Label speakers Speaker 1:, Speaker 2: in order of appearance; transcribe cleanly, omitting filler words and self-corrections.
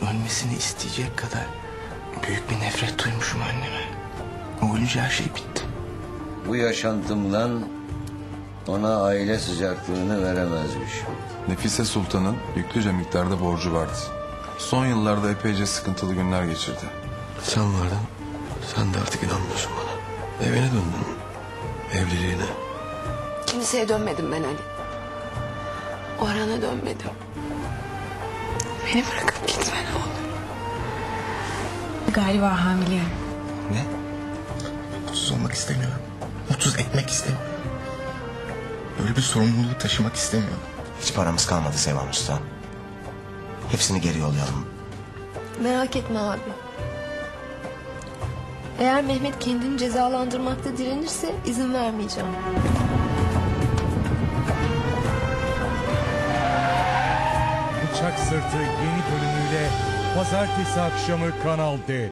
Speaker 1: ölmesini isteyecek kadar büyük bir nefret duymuşum anneme. O ölünce her şey bitti.
Speaker 2: Bu yaşantımdan ona aile sıcaklığını veremezmiş.
Speaker 3: Nefise Sultan'ın yüklüce miktarda borcu vardı. Son yıllarda epeyce sıkıntılı günler geçirdi.
Speaker 1: Sen vardın. Sen de artık inanmıyorsun bana. Evine döndün. Evliliğine.
Speaker 4: Kimseye dönmedim ben Ali. Orhan'a dönmedim. Beni bırakıp gitme ne olur.
Speaker 5: Galiba hamileyim.
Speaker 1: Ne? Mutsuz olmak istemiyorum. Mutsuz etmek istemiyorum. Böyle bir sorumluluğu taşımak istemiyorum.
Speaker 6: Hiç paramız kalmadı Sevan Usta. Hepsini geri yollayalım.
Speaker 7: Merak etme abi. Eğer Mehmet kendini cezalandırmakta direnirse izin vermeyeceğim.
Speaker 8: Bıçak Sırtı yeni bölümüyle pazartesi akşamı Kanal D.